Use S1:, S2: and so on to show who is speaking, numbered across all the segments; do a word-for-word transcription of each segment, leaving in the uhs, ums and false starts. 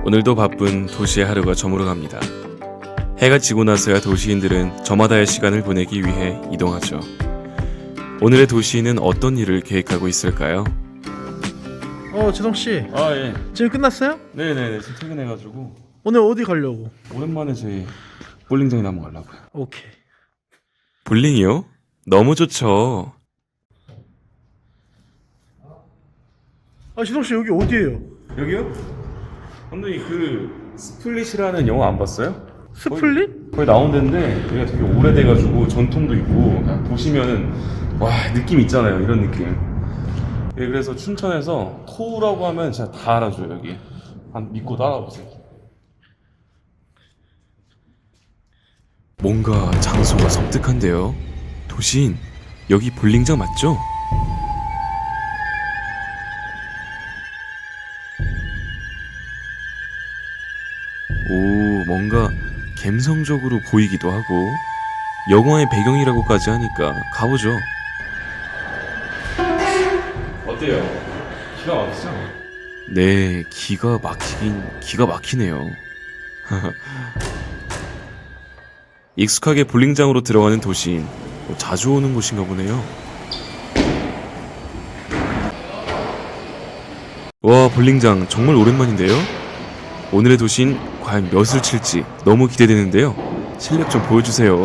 S1: 오늘도 바쁜 도시의 하루가 저물어갑니다. 해가 지고 나서야 도시인들은 저마다의 시간을 보내기 위해 이동하죠. 오늘의 도시인은 어떤 일을 계획하고 있을까요?
S2: 어, 지성씨,
S1: 아 예.
S2: 지금 끝났어요?
S1: 네네네. 지금 퇴근해가지고
S2: 오늘 어디 가려고?
S1: 오랜만에 저희 볼링장이나 한번 가려고요.
S2: 오케이.
S1: 볼링이요? 너무 좋죠.
S2: 아, 지성씨, 여기 어디예요?
S1: 여기요? 감독님 그 스플릿이라는 영화 안 봤어요?
S2: 스플릿?
S1: 거기 나온 데인데 여기가 되게 오래돼가지고 전통도 있고 그냥 보시면은 와 느낌 있잖아요. 이런 느낌. 예, 그래서 춘천에서 토우라고 하면 진짜 다 알아줘요. 여기 한 믿고 따라오세요. 뭔가 장소가 섬뜩한데요. 도시인, 여기 볼링장 맞죠? 오, 뭔가 감성적으로 보이기도 하고 영화의 배경이라고까지 하니까 가보죠. 어때요? 기가 막히죠? 네, 기가 막히긴 기가 막히네요. 익숙하게 볼링장으로 들어가는 도시인, 뭐 자주 오는 곳인가 보네요. 와, 볼링장 정말 오랜만인데요. 오늘의 도시인 과연 몇을 칠지 너무 기대되는데요. 실력 좀 보여주세요.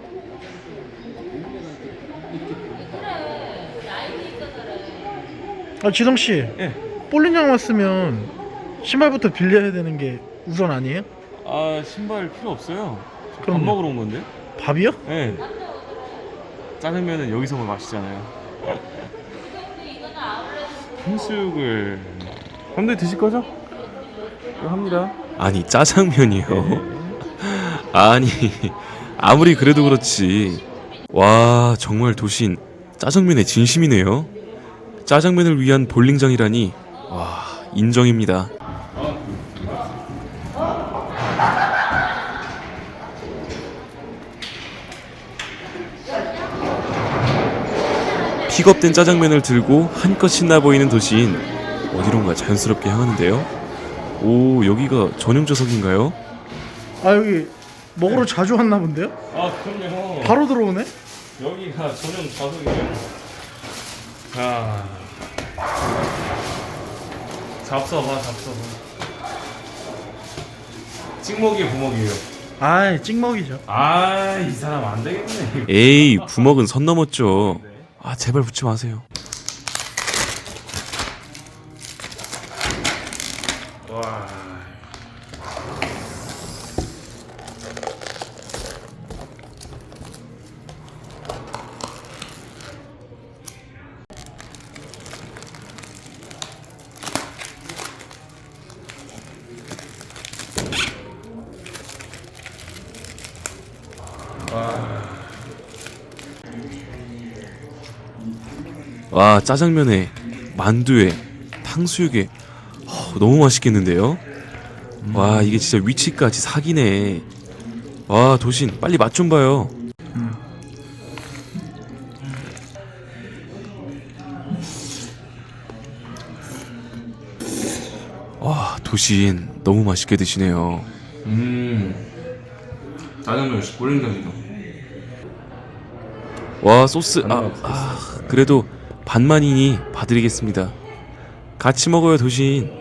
S2: 아, 지성씨,
S1: 예.
S2: 볼링장 왔으면 신발부터 빌려야 되는 게 우선 아니에요?
S1: 아, 신발 필요 없어요. 밥
S2: 그럼요.
S1: 먹으러 온 건데.
S2: 밥이요?
S1: 네. 짜장면은 여기서만 마시잖아요. 탕수육을 감독님 드실 거죠? 이거 합니다. 아니 짜장면이요? 아니 아무리 그래도 그렇지. 와 정말 도시인 짜장면의 진심이네요. 짜장면을 위한 볼링장이라니 와 인정입니다. 픽업된 짜장면을 들고 한껏 신나 보이는 도시인, 어디론가 자연스럽게 향하는데요. 오, 여기가 전용 좌석인가요?
S2: 아, 여기 먹으러 자주 왔나 본데요?
S1: 아 그럼요.
S2: 바로 들어오네?
S1: 여기가 전용 좌석이에요. 자, 잡숴봐, 잡숴봐. 찍먹이에요, 부먹이에요.
S2: 아이, 찍먹이죠.
S1: 아, 이 사람 안 되겠네. 에이, 부먹은 선 넘었죠. 아, 제발 붙지 마세요. 와. 와, 짜장면에 만두에 탕수육에 허, 너무 맛있겠는데요? 와, 이게 진짜 위치까지 사기네. 와, 도신 빨리 맛 좀 봐요. 와, 도신 너무 맛있게 드시네요. 음, 짜장면 역시 볼링장이죠. 와, 소스 아, 아 그래도 반만이니 봐드리겠습니다. 같이 먹어요, 도신.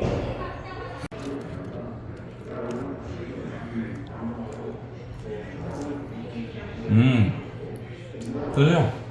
S1: 음, 드세요.